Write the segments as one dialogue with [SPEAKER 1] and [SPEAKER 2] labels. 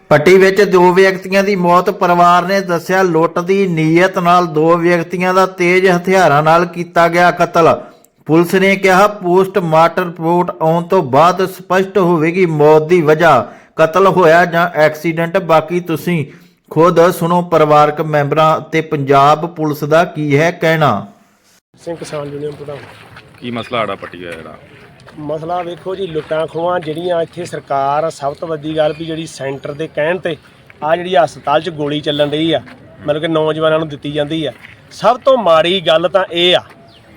[SPEAKER 1] ਪੱਟੀ ਵਿੱਚ ਦੋ ਵਿਅਕਤੀਆਂ ਦੀ ਮੌਤ। ਪਰਿਵਾਰ ਨੇ ਦੱਸਿਆ ਲੁੱਟ ਦੀ ਨੀਅਤ ਨਾਲ ਦੋ ਵਿਅਕਤੀਆਂ ਦਾ ਤੇਜ਼ ਹਥਿਆਰਾਂ ਨਾਲ ਕੀਤਾ ਗਿਆ ਕਤਲ। ਪੁਲਿਸ ਨੇ ਕਿਹਾ ਪੋਸਟਮਾਰਟਮ ਰਿਪੋਰਟ ਆਉਣ ਤੋਂ ਬਾਅਦ ਸਪਸ਼ਟ ਹੋਵੇਗੀ ਮੌਤ ਦੀ ਵਜ੍ਹਾ, ਕਤਲ ਹੋਇਆ ਜਾਂ ਐਕਸੀਡੈਂਟ। ਬਾਕੀ ਤੁਸੀਂ ਖੁਦ ਸੁਣੋ ਪਰਿਵਾਰਕ ਮੈਂਬਰਾਂ ਤੇ ਪੰਜਾਬ ਪੁਲਿਸ ਦਾ ਕੀ ਹੈ ਕਹਿਣਾ।
[SPEAKER 2] ਸਿੰਘ ਕਿਸਾਨ ਯੂਨੀਅਨ ਪ੍ਰਧਾਨ।
[SPEAKER 3] ਕੀ ਮਸਲਾ ਆੜਾ ਪੱਟੀ ਹੋਇਆ ਜਿਹੜਾ?
[SPEAKER 2] ਮਸਲਾ ਵੇਖੋ ਜੀ, ਲੁੱਟਾਂ ਖੋਹਾਂ ਜਿਹੜੀਆਂ ਇੱਥੇ ਸਰਕਾਰ ਸਭ ਤੋਂ ਵੱਡੀ ਗੱਲ ਵੀ ਜਿਹੜੀ ਸੈਂਟਰ ਦੇ ਕਹਿਣ ਤੇ ਆ ਜਿਹੜੀ ਹਸਪਤਾਲ 'ਚ ਗੋਲੀ ਚੱਲਣ ਰਹੀ ਆ, ਮਤਲਬ ਕਿ ਨੌਜਵਾਨਾਂ ਨੂੰ ਦਿੱਤੀ ਜਾਂਦੀ ਆ। ਸਭ ਤੋਂ ਮਾੜੀ ਗੱਲ ਤਾਂ ਇਹ ਆ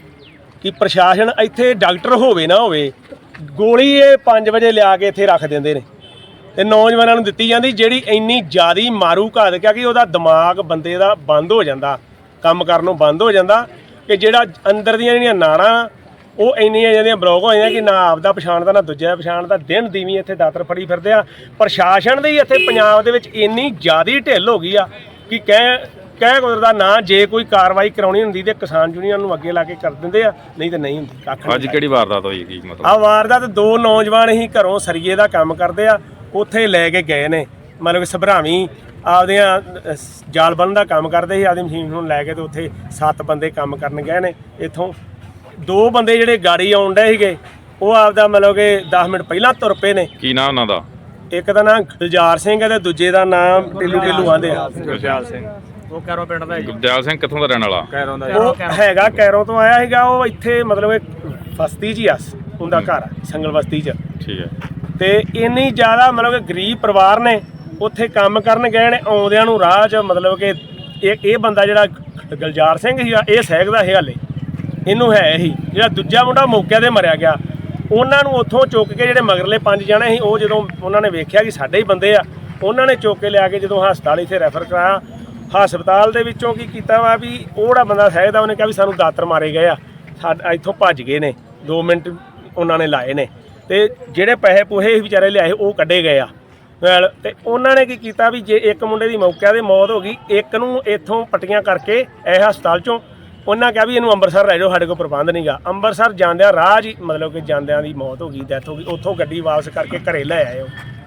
[SPEAKER 2] ਕਿ ਪ੍ਰਸ਼ਾਸਨ ਇੱਥੇ ਡਾਕਟਰ ਹੋਵੇ ਨਾ ਹੋਵੇ, ਗੋਲੀ ਇਹ 5 ਵਜੇ ਲਿਆ ਕੇ ਇੱਥੇ ਰੱਖ ਦਿੰਦੇ ਨੇ ਤੇ ਨੌਜਵਾਨਾਂ ਨੂੰ ਦਿੱਤੀ ਜਾਂਦੀ, ਜਿਹੜੀ ਇੰਨੀ ਜ਼ਿਆਦੀ ਮਾਰੂ ਘਾਤ ਕਿ ਉਹਦਾ ਦਿਮਾਗ ਬੰਦੇ ਦਾ ਬੰਦ ਹੋ ਜਾਂਦਾ, ਕੰਮ ਕਰਨੋਂ ਬੰਦ ਹੋ ਜਾਂਦਾ ਕਿ ਜਿਹੜਾ ਅੰਦਰ ਦੀਆਂ ਜਿਹੜੀਆਂ ਨਾੜਾਂ ਉਹ ਇੰਨੀਆਂ ਜਿਹੜੀਆਂ ਬਲੌਕ ਹੋ ਜਾਂਦੀਆਂ ਕਿ ਨਾ ਆਪਦਾ ਪਛਾਣਦਾ ਨਾ ਦੂਜਾ ਪਛਾਣਦਾ। ਦਿਨ ਦੀਵੀਂ ਇੱਥੇ ਦਾਤਰ ਫੜੀ ਫਿਰਦੇ ਆ। ਪ੍ਰਸ਼ਾਸਨ ਦੀ ਇੱਥੇ ਪੰਜਾਬ ਦੇ ਵਿੱਚ ਇੰਨੀ ਜ਼ਿਆਦੀ ਢਿੱਲ ਹੋ ਗਈ ਆ ਕਿ ਕਹਿ ਗੁਜ਼ਰਦਾ ਨਾ। ਜੇ ਕੋਈ ਕਾਰਵਾਈ ਕਰਾਉਣੀ ਹੁੰਦੀ ਤੇ ਕਿਸਾਨ ਯੂਨੀਅਨ ਨੂੰ ਅੱਗੇ ਲਾ ਕੇ ਕਰ ਦਿੰਦੇ ਆ, ਨਹੀਂ ਤੇ ਨਹੀਂ ਹੁੰਦੀ ਕੱਖ।
[SPEAKER 3] ਅੱਜ ਕਿਹੜੀ ਵਾਰਦਾਤ ਹੋਈ? ਕੀ ਮਤਲਬ
[SPEAKER 2] ਆ ਵਾਰਦਾਤ ਦੋ ਨੌਜਵਾਨ ਹੀ ਘਰੋਂ ਸਰੀਏ ਦਾ ਕੰਮ ਕਰਦੇ ਆ, ਉੱਥੇ ਲੈ ਕੇ ਗਏ ਨੇ, ਮਤਲਬ ਕਿ ਸਭਰਾਵੀਂ ਆਪਦੀਆਂ ਜਾਲ ਬੰਨ੍ਹਣ ਦਾ ਕੰਮ ਕਰਦੇ ਸੀ, ਆਪਦੀ ਮਸ਼ੀਨ ਨੂੰ ਲੈ ਕੇ ਤੇ ਉੱਥੇ 7 ਬੰਦੇ ਕੰਮ ਕਰਨ ਗਏ ਨੇ। ਇੱਥੋਂ 2 ਬੰਦੇ ਜਿਹੜੇ ਗਾੜੀ ਆਉਣ ਡਏ ਸੀਗੇ ਉਹ ਆਪਦਾ ਮਤਲਬ ਕਿ 10 ਮਿੰਟ ਪਹਿਲਾਂ ਤੁਰ ਪਏ ਨੇ।
[SPEAKER 3] ਕੀ ਨਾਂ ਉਹਨਾਂ ਦਾ?
[SPEAKER 2] ਇੱਕ ਦਾ ਨਾਮ ਗੁਲਜ਼ਾਰ ਸਿੰਘ ਹੈ ਤੇ ਦੂਜੇ ਦਾ ਨਾਮ ਢਿੱਲੂ ਆਂਦੇ ਆ।
[SPEAKER 3] ਗੁਰਦਿਆਲ ਸਿੰਘ।
[SPEAKER 2] ਉਹ ਕੈਰੋਂ ਪਿੰਡ ਦਾ।
[SPEAKER 3] ਗੁਰਦਿਆਲ ਸਿੰਘ ਕਿੱਥੋਂ ਦਾ ਰਹਿਣ ਵਾਲਾ?
[SPEAKER 2] ਉਹ ਹੈਗਾ ਕੈਰੋਂ ਤੋਂ ਆਇਆ ਸੀਗਾ। ਉਹ ਇੱਥੇ ਮਤਲਬ ਬਸਤੀ 'ਚ ਹੀ ਆ, ਉਹਦਾ ਘਰ ਸੰਗਲ ਬਸਤੀ 'ਚ।
[SPEAKER 3] ਠੀਕ ਹੈ।
[SPEAKER 2] ਤੇ ਇੰਨੀ ਜ਼ਿਆਦਾ ਮਤਲਬ ਕਿ ਗਰੀਬ ਪਰਿਵਾਰ ਨੇ, ਉੱਥੇ ਕੰਮ ਕਰਨ ਗਏ ਨੇ, ਆਉਂਦਿਆਂ ਨੂੰ ਰਾਹ 'ਚ ਮਤਲਬ ਕਿ ਇਹ ਬੰਦਾ ਜਿਹੜਾ ਗੁਲਜ਼ਾਰ ਸਿੰਘ ਸੀਗਾ ਇਹ ਸਹਿਕਦਾ ਸੀ ਹਾਲੇ, ਇਹਨੂੰ ਹੈ ਹੀ। ਜਿਹੜਾ ਦੂਜਾ ਮੁੰਡਾ ਮੌਕੇ 'ਤੇ ਮਰਿਆ ਗਿਆ, ਉਹਨਾਂ ਨੂੰ ਉੱਥੋਂ ਚੁੱਕ ਕੇ ਜਿਹੜੇ ਮਗਰਲੇ 5 ਜਣੇ ਸੀ, ਉਹ ਜਦੋਂ ਉਹਨਾਂ ਨੇ ਵੇਖਿਆ ਕਿ ਸਾਡੇ ਹੀ ਬੰਦੇ ਆ, ਉਹਨਾਂ ਨੇ ਚੁੱਕ ਕੇ ਲਿਆ ਕੇ ਜਦੋਂ ਹਸਪਤਾਲ ਇੱਥੇ ਰੈਫਰ ਕਰਾਇਆ। ਹਸਪਤਾਲ ਦੇ ਵਿੱਚੋਂ ਕੀ ਕੀਤਾ ਵਾ ਵੀ ਉਹ ਜਿਹੜਾ ਬੰਦਾ ਸਹਿਕਦਾ ਉਹਨੇ ਕਿਹਾ ਵੀ ਸਾਨੂੰ ਦਾਤਰ ਮਾਰੇ ਗਏ ਆ, ਇੱਥੋਂ ਭੱਜ ਗਏ ਨੇ। 2 ਮਿੰਟ ਉਹਨਾਂ ਨੇ ਲਾਏ ਨੇ ਤੇ ਜਿਹੜੇ ਪੈਸੇ ਪੂਹੇ ਵਿਚਾਰੇ ਲਿਆਏ ਉਹ ਕੱਢੇ ਗਏ ਆ। ਤੇ ਉਹਨਾਂ ਨੇ ਕੀ ਕੀਤਾ ਵੀ ਜੇ ਇੱਕ ਮੁੰਡੇ ਦੀ ਮੌਕੇ 'ਤੇ ਮੌਤ ਹੋ ਗਈ, ਇੱਕ ਨੂੰ ਇੱਥੋਂ ਪੱਟੀਆਂ ਕਰਕੇ ਇਹ ਹਸਪਤਾਲ 'ਚੋਂ ਉਹਨਾਂ ਕਿਹਾ ਵੀ ਇਹਨੂੰ ਅੰਮ੍ਰਿਤਸਰ ਲੈ ਜਾਓ, ਸਾਡੇ ਕੋਲ ਪ੍ਰਬੰਧ ਨਹੀਂ ਗਾ। ਅੰਮ੍ਰਿਤਸਰ ਜਾਂਦਿਆਂ ਰਾਹ 'ਚ ਮਤਲਬ ਕਿ ਜਾਂਦਿਆਂ ਦੀ ਮੌਤ ਹੋ ਗਈ, ਡੈਥ ਹੋ ਗਈ। ਉੱਥੋਂ ਗੱਡੀ ਵਾਪਸ ਕਰਕੇ ਘਰੇ ਲੈ ਆਏ। ਉਹ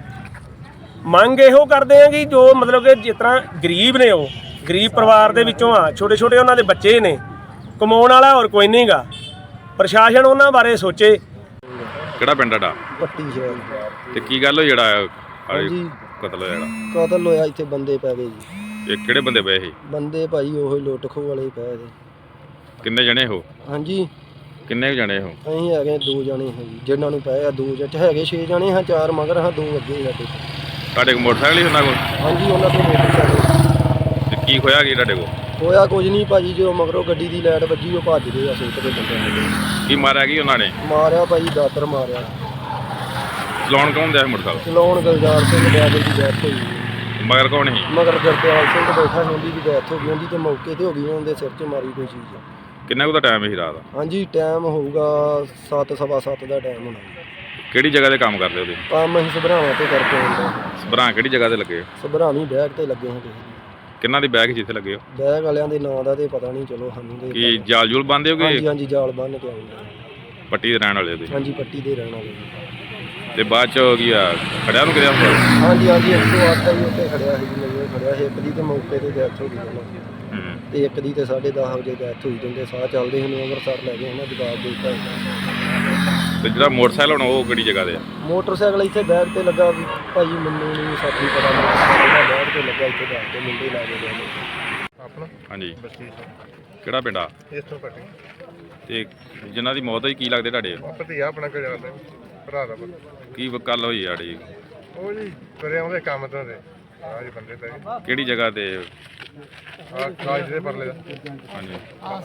[SPEAKER 2] ਮੰਗ ਇਹੋ ਕਰਦੇ ਆ ਕਿ ਜੋ ਮਤਲਬ ਕਿ ਜਿਸ ਤਰ੍ਹਾਂ ਗਰੀਬ ਨੇ, ਉਹ ਗਰੀਬ ਪਰਿਵਾਰ ਦੇ ਵਿੱਚੋਂ ਆ, ਛੋਟੇ ਛੋਟੇ ਉਹਨਾਂ ਦੇ ਬੱਚੇ ਨੇ, ਕਮਾਉਣ ਵਾਲਾ ਹੋਰ ਕੋਈ ਨਹੀਂ ਗਾ। ਪ੍ਰਸ਼ਾਸਨ ਉਹਨਾਂ ਬਾਰੇ ਸੋਚੇ।
[SPEAKER 3] ਕਿਹੜਾ ਪਿੰਡ ਤੁਹਾਡਾ?
[SPEAKER 4] ਪੱਟੀ ਸ਼ਹਿਰ।
[SPEAKER 3] ਤੇ ਕੀ ਗੱਲ ਹੋਈ ਜਿਹੜਾ
[SPEAKER 4] ਹਾਂਜੀ,
[SPEAKER 3] ਕਤਲ ਹੋਇਆ ਜਿਹੜਾ?
[SPEAKER 4] ਕਤਲ ਹੋਇਆ ਇੱਥੇ ਬੰਦੇ ਪੈ ਗਏ ਜੀ।
[SPEAKER 3] ਇਹ ਕਿਹੜੇ ਬੰਦੇ ਪਏ ਸੀ?
[SPEAKER 4] ਬੰਦੇ ਭਾਈ ਉਹੀ ਲੁੱਟ ਖੋਹ ਵਾਲੇ ਹੀ ਪਏ ਦੇ।
[SPEAKER 3] ਕਿੰਨੇ ਜਣੇ ਹੋ?
[SPEAKER 4] ਹਾਂਜੀ,
[SPEAKER 3] ਕਿੰਨੇ ਜਣੇ ਹੋ?
[SPEAKER 4] ਅਸੀਂ ਹੈਗੇ 2 ਜਣੇ ਹਾਂ ਜੀ, ਜਿਨ੍ਹਾਂ ਨੂੰ ਪਏ ਆ 2 ਜਣੇ ਹੈਗੇ 6 ਜਣੇ ਹਾਂ, 4 ਮਗਰ ਹਾਂ, 2 ਅੱਗੇ ਸਾਡੇ।
[SPEAKER 3] ਤੁਹਾਡੇ ਕੋਲ ਮੋਟਰਸਾਈਕਲ ਹੀ ਉਹਨਾਂ ਕੋਲ?
[SPEAKER 4] ਹਾਂਜੀ, ਉਹਨਾਂ ਤੋਂ ਮੋਟਰਸਾਈਕਲ।
[SPEAKER 3] ਤੇ ਕੀ ਹੋਇਆ ਕੀ ਤੁਹਾਡੇ ਕੋਲ?
[SPEAKER 4] ਹੋਇਆ ਕੁਝ ਨਹੀਂ ਭਾਜੀ, ਜੋ ਮਗਰੋਂ ਗੱਡੀ ਦੀ ਲਾਈਟ ਵੱਜੀ ਉਹ ਭੱਜ ਗਏ ਆ। ਸੁੱਟ ਦੇ ਬੰਦੇ
[SPEAKER 3] ਕੀ ਮਾਰਿਆ ਕੀ ਉਹਨਾਂ ਨੇ?
[SPEAKER 4] ਮਾਰਿਆ ਭਾਜੀ, ਦਾਤਰ ਮਾਰਿਆ।
[SPEAKER 3] ਚਲਾਉਣ ਕੌਣ ਦਿਆ ਸੀ ਮੋਟਰਸਾਈਕਲ?
[SPEAKER 4] ਚਲਾਉਣ ਗੁਲਜ਼ਾਰ ਸਿੰਘ ਡਰਾਈਵਰ ਦੀ ਡੈਥ ਹੋਈ।
[SPEAKER 3] ਮਗਰ ਕੌਣ ਸੀ?
[SPEAKER 4] ਮਗਰ ਗੁਰਦਿਆਲ ਸਿੰਘ ਬੈਠਾ ਸੀ, ਉਹਦੀ ਵੀ ਡੈਥ ਹੋ ਗਈ। ਉਹਦੀ ਤੇ ਮੌਕੇ 'ਤੇ ਹੋ ਗਈ, ਉਹਦੇ ਸਿਰ 'ਚ ਮਾਰੀ ਕੋਈ ਚੀਜ਼।
[SPEAKER 3] ਕਿੰਨਾ ਕੁ ਦਾ ਟਾਈਮ ਸੀ ਰਾਤ ਦਾ?
[SPEAKER 4] ਹਾਂਜੀ, ਟਾਈਮ ਹੋਊਗਾ 7 ਸਵਾ 7 ਦਾ ਟਾਈਮ ਹੋਣਾ।
[SPEAKER 3] ਕਿਹੜੀ ਜਗ੍ਹਾ ਤੇ ਕੰਮ ਕਰਦੇ ਹੋ ਤੁਸੀਂ?
[SPEAKER 4] ਕੰਮ ਅਸੀਂ ਸਭਰਾਵਾਂ ਤੇ ਕਰਕੇ ਆਉਂਦੇ।
[SPEAKER 3] ਸਭਰਾਂ ਕਿਹੜੀ ਜਗ੍ਹਾ ਤੇ ਲੱਗੇ?
[SPEAKER 4] ਸਭਰਾਵੀਂ ਬੈਗ ਤੇ ਲੱਗੇ ਹਾਂ ਕਿਸੇ
[SPEAKER 3] ਕਿੰਨਾ ਦੀ ਬੈਗ ਜਿੱਥੇ ਲੱਗੇ ਹੋ?
[SPEAKER 4] ਬੈਗ ਵਾਲਿਆਂ ਦੇ ਨਾਂ ਦਾ ਤੇ ਪਤਾ ਨਹੀਂ, ਚਲੋ ਸਾਨੂੰ ਤੇ
[SPEAKER 3] ਕੀ ਜਾਲ ਜੂਲ ਬੰਦੇ ਹੋ
[SPEAKER 4] ਹਾਂਜੀ
[SPEAKER 3] ਕਿ
[SPEAKER 4] ਹਾਂਜੀ, ਜਾਲ ਬੰਨ੍ਹ ਕੇ ਆਉਂਦੇ।
[SPEAKER 3] ਪੱਟੀ ਦੇ ਰਹਿਣ ਵਾਲੇ ਹੋ ਤੁਸੀਂ?
[SPEAKER 4] ਹਾਂਜੀ, ਪੱਟੀ ਦੇ ਰਹਿਣ ਵਾਲੇ।
[SPEAKER 3] ਤੇ ਬਾਅਦ ਚ ਕੀ ਆ ਖੜਿਆ ਨੂੰ ਕਿਹਾ?
[SPEAKER 4] ਹਾਂਜੀ ਹਾਂਜੀ, 108 ਹੀ ਉੱਤੇ ਖੜਿਆ ਸੀ, ਮੈਨੂੰ ਖੜਿਆ ਸੀ। ਇੱਕ ਦੀ ਤੇ ਮੌਕੇ ਤੇ ਡੈਥ ਹੋ ਗਈ ਉਹਨਾਂ ਦੀ, ਤੇ ਇੱਕ ਦੀ ਤੇ 10:30 ਵਜੇ ਡੈਥ ਹੋਈ। ਜਾਂਦੇ ਸਾਹ ਚੱਲਦੇ ਹੁਣ ਅੰਮ੍ਰਿਤਸਰ ਲੈ ਗਏ ਉਹਨਾਂ, ਜਵਾਬ ਦੇ ਦਿੱਤਾ।
[SPEAKER 3] ਤੇ ਜਿਹੜਾ ਮੋਟਰਸਾਈਕਲ ਹੁਣ ਉਹ ਕਿਹੜੀ ਜਗ੍ਹਾ ਤੇ ਆ?
[SPEAKER 4] ਮੋਟਰਸਾਈਕਲ ਇੱਥੇ ਬੈਗ ਤੇ ਲੱਗਾ ਵੀ ਭਾਈ, ਮੈਨੂੰ ਨਹੀਂ ਸਾਥੀ ਪਤਾ ਨਹੀਂ, ਬੈਗ ਤੇ ਲੱਗਾ ਇੱਥੇ ਬੈਗ ਤੇ ਮੁੰਡੇ ਲਾ ਕੇ ਗਏ
[SPEAKER 5] ਆਪਣਾ
[SPEAKER 3] ਹਾਂਜੀ।
[SPEAKER 5] ਬਸਤੀ
[SPEAKER 3] ਕਿਹੜਾ ਪਿੰਡ ਆ?
[SPEAKER 5] ਇਸ ਤੋਂ ਪੱਟੀ
[SPEAKER 3] ਤੇ ਜਿਨ੍ਹਾਂ ਦੀ ਮੌਤ ਹੋਈ ਕੀ ਲੱਗਦੇ ਤੁਹਾਡੇ?
[SPEAKER 5] ਭਤੀਆ ਆਪਣਾ ਕੋਈ ਜਾਂਦਾ ਭਰਾ ਦਾ ਪੁੱਤ।
[SPEAKER 3] ਕੀ ਗੱਲ ਹੋਈ ਆੜੀ?
[SPEAKER 5] ਉਹ ਜੀ ਤੁਰੇ ਆਉਂਦੇ ਕੰਮ ਤੋਂ ਦੇ ਆਹ ਜੀ ਬੰਦੇ ਪੈ ਗਏ।
[SPEAKER 3] ਕਿਹੜੀ ਜਗ੍ਹਾ ਤੇ?
[SPEAKER 5] ਆਹ ਕਾਜ ਦੇ ਪਰਲੇ ਦਾ।
[SPEAKER 3] ਹਾਂਜੀ।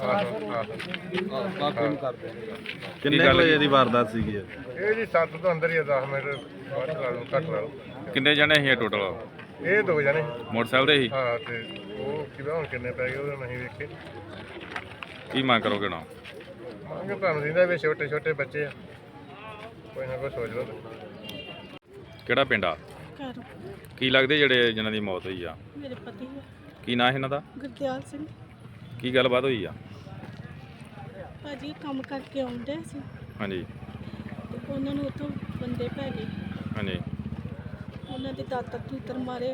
[SPEAKER 6] ਕਿੰਨੇ ਵਜੇ ਦੀ ਵਾਰਦਾਤ ਸੀਗੀ ਇਹ?
[SPEAKER 5] ਇਹ ਜੀ 7 ਤੋਂ ਅੰਦਰ ਹੀ ਆ, 10 ਮਿੰਟ ਬਾਅਦ ਲਾ ਲਓ, ਘੱਟ ਲਾ ਲਓ।
[SPEAKER 3] ਕਿੰਨੇ ਜਣੇ ਸੀ ਟੋਟਲ?
[SPEAKER 5] ਇਹ 2 ਜਣੇ।
[SPEAKER 3] ਮੋਟਰਸਾਈਕਲ ਤੇ ਹੀ?
[SPEAKER 5] ਹਾਂ, ਤੇ ਉਹ ਕਿਵੇਂ ਹੁਣ ਕਿੰਨੇ ਪੈ ਗਏ ਉਹਦਾ ਨਹੀਂ ਵੇਖੇ।
[SPEAKER 3] ਕੀ ਮੰਗ ਕਰੋਗੇ ਨਾ?
[SPEAKER 5] ਮੰਗ ਤੁਹਾਨੂੰ ਦਿੰਦਾ ਵੀ ਛੋਟੇ ਛੋਟੇ ਬੱਚੇ ਆ, ਕੋਈ ਨਾ ਕੋਈ ਸੋਚ ਲਓ।
[SPEAKER 3] ਕਿਹੜਾ ਪਿੰਡ ਆ?
[SPEAKER 7] ਘਰ
[SPEAKER 3] ਕੀ ਲੱਗਦੇ ਜਿਹੜੇ ਜਿਨ੍ਹਾਂ ਦੀ ਮੌਤ ਹੋਈ ਆ?
[SPEAKER 7] ਮੇਰੇ ਪਤੀ ਹੈ
[SPEAKER 3] ਕੀ ਨਾਂ ਹੈ ਇਹਨਾਂ ਦਾ?
[SPEAKER 7] ਗੁਰਦਿਆਲ ਸਿੰਘ।
[SPEAKER 3] ਕੀ ਗੱਲਬਾਤ ਹੋਈ ਆ?
[SPEAKER 7] ਭਾਜੀ ਕੰਮ ਕਰਕੇ ਆਉਂਦੇ ਸੀ
[SPEAKER 3] ਹਾਂਜੀ
[SPEAKER 7] ਤੇ ਉਹਨਾਂ ਨੂੰ ਉੱਥੋਂ ਬੰਦੇ ਪੈ ਗਏ।
[SPEAKER 3] ਹਾਂਜੀ।
[SPEAKER 7] ਉਹਨਾਂ ਉਹਨਾਂ ਦੇ ਦਾਤਰ ਦੂਤਰ ਮਾਰੇ।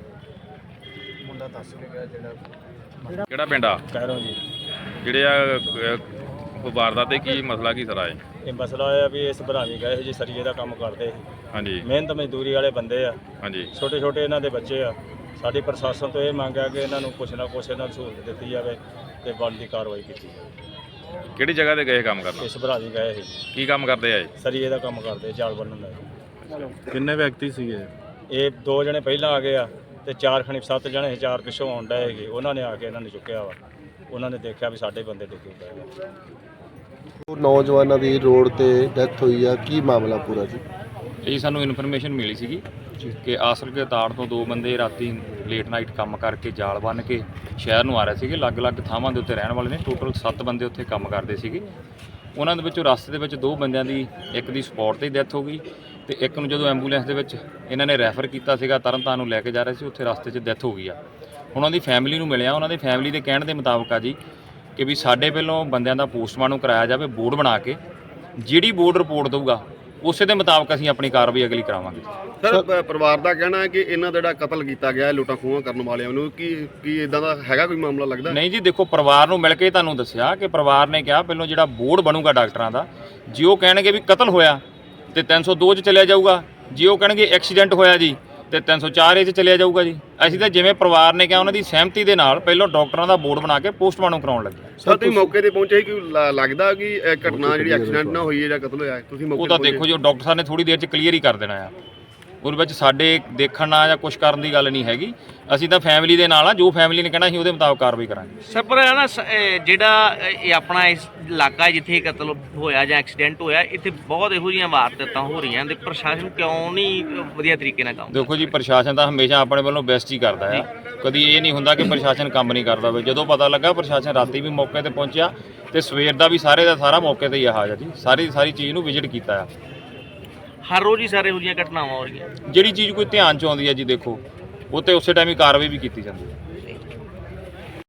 [SPEAKER 5] ਮੁੰਡਾ ਦੱਸ ਕੇ ਗਿਆ ਜਿਹੜਾ
[SPEAKER 3] ਕਿਹੜਾ ਪਿੰਡ ਆ
[SPEAKER 8] ਕਹਿਰੋਂ ਜੀ।
[SPEAKER 3] ਜਿਹੜੇ ਆ ਵਾਰਦਾਤ ਤੇ ਕੀ ਮਸਲਾ ਕੀ ਸਰਾ ਹੈ?
[SPEAKER 8] ਇਹ ਮਸਲਾ ਇਹ ਆ ਵੀ ਇਸ ਭਰਾਵੀ ਗਏ ਸੀ ਜੀ, ਸਰੀਏ ਦਾ ਕੰਮ ਕਰਦੇ ਸੀ,
[SPEAKER 3] ਹਾਂਜੀ
[SPEAKER 8] ਮਿਹਨਤ ਮਜ਼ਦੂਰੀ ਵਾਲੇ ਬੰਦੇ ਆ,
[SPEAKER 3] ਹਾਂਜੀ
[SPEAKER 8] ਛੋਟੇ ਛੋਟੇ ਇਹਨਾਂ ਦੇ ਬੱਚੇ ਆ। ਸਾਡੀ ਪ੍ਰਸ਼ਾਸਨ ਤੋਂ ਇਹ ਮੰਗ ਹੈ ਕਿ ਇਹਨਾਂ ਨੂੰ ਕੁਛ ਨਾ ਕੁਛ ਇਹਨਾਂ ਨੂੰ ਸਹੂਲਤ ਦਿੱਤੀ ਜਾਵੇ ਤੇ ਬਣਦੀ ਕਾਰਵਾਈ ਕੀਤੀ ਜਾਵੇ।
[SPEAKER 3] ਕਿਹੜੀ ਜਗ੍ਹਾ ਤੇ ਗਏ ਕੰਮ ਕਰਨ?
[SPEAKER 8] ਇਸ ਭਰਾਵੀ ਗਏ ਸੀ,
[SPEAKER 3] ਕੀ ਕੰਮ ਕਰਦੇ ਆ ਇਹ?
[SPEAKER 8] ਸਰੀਏ ਦਾ ਕੰਮ ਕਰਦੇ, ਜਾਲ ਬੰਨ੍ਹਣ ਦਾ।
[SPEAKER 6] ਕਿੰਨੇ ਵਿਅਕਤੀ ਸੀਗੇ?
[SPEAKER 8] ਇਹ 2 ਜਣੇ ਪਹਿਲਾਂ ਆ ਗਏ ਆ ਤੇ 4 ਖਣੀ 7 ਜਣੇ ਸੀ, 4 ਪਿੱਛੋਂ ਆਉਣ ਡਏ ਹੈਗੇ। ਉਹਨਾਂ ਨੇ ਆ ਕੇ ਇਹਨਾਂ ਨੇ ਚੁੱਕਿਆ ਵਾ, ਉਹਨਾਂ ਨੇ ਦੇਖਿਆ ਵੀ ਸਾਡੇ ਬੰਦੇ ਡਿੱਗੇ ਪਏ ਆ।
[SPEAKER 4] ਉਹ ਨੌਜਵਾਨਾਂ ਦੀ ਰੋਡ ਤੇ ਡੈਥ ਹੋਈ ਆ, ਕੀ ਮਾਮਲਾ ਪੂਰਾ ਜੀ?
[SPEAKER 9] ਇਹ ਸਾਨੂੰ ਇਨਫੋਰਮੇਸ਼ਨ ਮਿਲੀ ਸੀਗੀ ਕਿ ਆਸਲ ਕੇ ਤਾੜ ਤੋਂ 2 ਬੰਦੇ ਰਾਤੀ ਲੇਟ ਨਾਈਟ ਕੰਮ ਕਰਕੇ ਜਾਲ ਬੰਨ੍ਹ ਕੇ ਸ਼ਹਿਰ ਨੂੰ ਆ ਰਹੇ ਸੀਗੇ। ਅਲੱਗ-ਅਲੱਗ ਥਾਵਾਂ ਦੇ ਉੱਤੇ ਰਹਿਣ ਵਾਲੇ ਨੇ, ਟੋਟਲ 7 ਬੰਦੇ ਉੱਥੇ ਕੰਮ ਕਰਦੇ ਸੀਗੇ। ਉਹਨਾਂ ਦੇ ਵਿੱਚੋਂ ਰਸਤੇ ਦੇ ਵਿੱਚ 2 ਬੰਦਿਆਂ ਦੀ, ਇੱਕ ਦੀ ਸਪੌਟ 'ਤੇ ਡੈਥ ਹੋ ਗਈ ਤੇ ਇੱਕ ਨੂੰ ਜਦੋਂ ਐਂਬੂਲੈਂਸ ਦੇ ਵਿੱਚ ਇਹਨਾਂ ਨੇ ਰੈਫਰ ਕੀਤਾ ਸੀਗਾ, ਤਰਨਤਾਰਨ ਨੂੰ ਲੈ ਕੇ ਜਾ ਰਹੇ ਸੀ, ਉੱਥੇ ਰਸਤੇ 'ਚ ਡੈਥ ਹੋ ਗਈ ਆ। ਹੁਣ ਉਹਨਾਂ ਦੀ ਫੈਮਿਲੀ ਨੂੰ ਮਿਲਿਆ, ਉਹਨਾਂ ਦੀ ਫੈਮਿਲੀ ਦੇ ਕਹਿਣ ਦੇ ਮੁਤਾਬਕ ਆ ਜੀ ਕਿ ਵੀ ਸਾਡੇ ਪਹਿਲੋਂ ਬੰਦਿਆਂ ਦਾ ਪੋਸਟਮਾਰਟਮ ਕਰਾਇਆ ਜਾਵੇ ਬੋਰਡ ਬਣਾ ਕੇ, ਜਿਹੜੀ ਬੋਰਡ ਰਿਪੋਰਟ ਦਊਗਾ ਉਸੇ ਦੇ ਮੁਤਾਬਕ ਅਸੀਂ ਆਪਣੀ ਕਾਰਵਾਈ ਅਗਲੀ ਕਰਾਵਾਂਗੇ।
[SPEAKER 10] ਸਰ ਪਰਿਵਾਰ ਦਾ ਕਹਿਣਾ ਹੈ ਕਿ ਇਹਨਾਂ ਦਾ ਜਿਹੜਾ ਕਤਲ ਕੀਤਾ ਗਿਆ ਲੁੱਟਾਂ ਖੋਹਾਂ ਕਰਨ ਵਾਲਿਆਂ ਨੂੰ, ਕੀ ਇਦਾਂ ਦਾ ਹੈਗਾ ਕੋਈ ਮਾਮਲਾ ਲੱਗਦਾ?
[SPEAKER 9] ਨਹੀਂ ਜੀ, ਦੇਖੋ ਪਰਿਵਾਰ ਨੂੰ ਮਿਲ ਕੇ ਤੁਹਾਨੂੰ ਦੱਸਿਆ ਕਿ ਪਰਿਵਾਰ ਨੇ ਕਿਹਾ ਪਹਿਲੋਂ ਜਿਹੜਾ ਬੋਰਡ ਬਣੂਗਾ ਡਾਕਟਰਾਂ ਦਾ, ਜੇ ਉਹ ਕਹਿਣਗੇ ਵੀ ਕਤਲ ਹੋਇਆ ਤੇ 302 'ਚ ਚਲਿਆ ਜਾਊਗਾ, ਜੇ ਉਹ ਕਹਿਣਗੇ ਐਕਸੀਡੈਂਟ ਹੋਇਆ ਜੀ ਤੇ 304 'ਚ ਚਲਿਆ ਜਾਊਗਾ ਜੀ। ਅਸੀਂ ਤਾਂ ਜਿਵੇਂ ਪਰਿਵਾਰ ਨੇ ਕਿਹਾ ਉਹਨਾਂ ਦੀ ਸਹਿਮਤੀ ਦੇ ਨਾਲ ਪਹਿਲਾਂ ਡਾਕਟਰਾਂ ਦਾ ਬੋਰਡ ਬਣਾ ਕੇ ਪੋਸਟਮਾਰਟਮ ਕਰਾਉਣ ਲੱਗੇ।
[SPEAKER 10] ਸਰ ਤੁਸੀਂ ਮੌਕੇ ਤੇ ਪਹੁੰਚੇ ਕਿ ਲੱਗਦਾ ਕਿ ਇਹ ਘਟਨਾ ਜਿਹੜੀ ਐਕਸੀਡੈਂਟ ਨਾ ਹੋਈ ਹੈ ਜਾਂ ਕਤਲ ਹੋਇਆ, ਤੁਸੀਂ ਮੌਕੇ
[SPEAKER 9] ਉਹ ਤਾਂ
[SPEAKER 10] ਤੇ
[SPEAKER 9] ਦੇਖੋ ਜੀ, ਡਾਕਟਰ ਸਾਹਿਬ ਨੇ ਥੋੜੀ ਦੇਰ 'ਚ ਕਲੀਅਰ ਹੀ ਕਰ ਦੇਣਾ ਆ। ਉਹਦੇ ਵਿੱਚ ਸਾਡੇ ਦੇਖਣਾ ਜਾਂ ਕੁਝ ਕਰਨ ਦੀ ਗੱਲ ਨਹੀਂ ਹੈਗੀ। ਅਸੀਂ ਤਾਂ ਫੈਮਿਲੀ ਦੇ ਨਾਲ ਆ, ਜੋ ਫੈਮਿਲੀ ਨੇ ਕਹਿਣਾ ਅਸੀਂ ਉਹਦੇ ਮੁਤਾਬਕ ਕਾਰਵਾਈ ਕਰਾਂਗੇ।
[SPEAKER 11] ਸਰ ਪਰ ਹੈ ਨਾ ਜਿਹੜਾ ਇਹ ਆਪਣਾ ਇਸ ਇਲਾਕਾ ਜਿੱਥੇ ਕਤਲ ਹੋਇਆ ਜਾਂ ਐਕਸੀਡੈਂਟ ਹੋਇਆ, ਇੱਥੇ ਬਹੁਤ ਇਹੋ ਜਿਹੀਆਂ ਵਾਰਦਾਤਾਂ ਹੋ ਰਹੀਆਂ ਤੇ ਪ੍ਰਸ਼ਾਸਨ ਕਿਉਂ ਨਹੀਂ ਵਧੀਆ ਤਰੀਕੇ ਨਾਲ ਕੰਮ?
[SPEAKER 9] ਦੇਖੋ ਜੀ, ਪ੍ਰਸ਼ਾਸਨ ਤਾਂ ਹਮੇਸ਼ਾ ਆਪਣੇ ਵੱਲੋਂ ਬੈਸਟ ਹੀ ਕਰਦਾ ਆ, ਕਦੀ ਇਹ ਨਹੀਂ ਹੁੰਦਾ ਕਿ ਪ੍ਰਸ਼ਾਸਨ ਕੰਮ ਨਹੀਂ ਕਰਦਾ ਹੋਵੇ। ਜਦੋਂ ਪਤਾ ਲੱਗਾ ਪ੍ਰਸ਼ਾਸਨ ਰਾਤੀ ਵੀ ਮੌਕੇ ਤੇ ਪਹੁੰਚਿਆ ਤੇ ਸਵੇਰ ਦਾ ਵੀ ਸਾਰੇ ਦਾ ਸਾਰਾ ਮੌਕੇ ਤੇ ਹੀ ਆ ਹਾਜ਼ਰ ਜੀ, ਸਾਰੀ ਚੀਜ਼ ਨੂੰ ਵਿਜ਼ਿਟ ਕੀਤਾ ਆ।
[SPEAKER 11] ਹਰ ਰੋਜ਼ ਹੀ ਸਾਰੇ ਇਹੋ ਜਿਹੀਆਂ ਘਟਨਾਵਾਂ ਹੋ ਰਹੀਆਂ।
[SPEAKER 9] ਜਿਹੜੀ ਚੀਜ਼ ਕੋਈ ਧਿਆਨ 'ਚ ਆਉਂਦੀ ਹੈ ਜੀ, ਦੇਖੋ ਉਹ ਤੇ ਉਸੇ ਟਾਈਮ ਹੀ ਕਾਰਵਾਈ ਵੀ ਕੀਤੀ ਜਾਂਦੀ ਹੈ।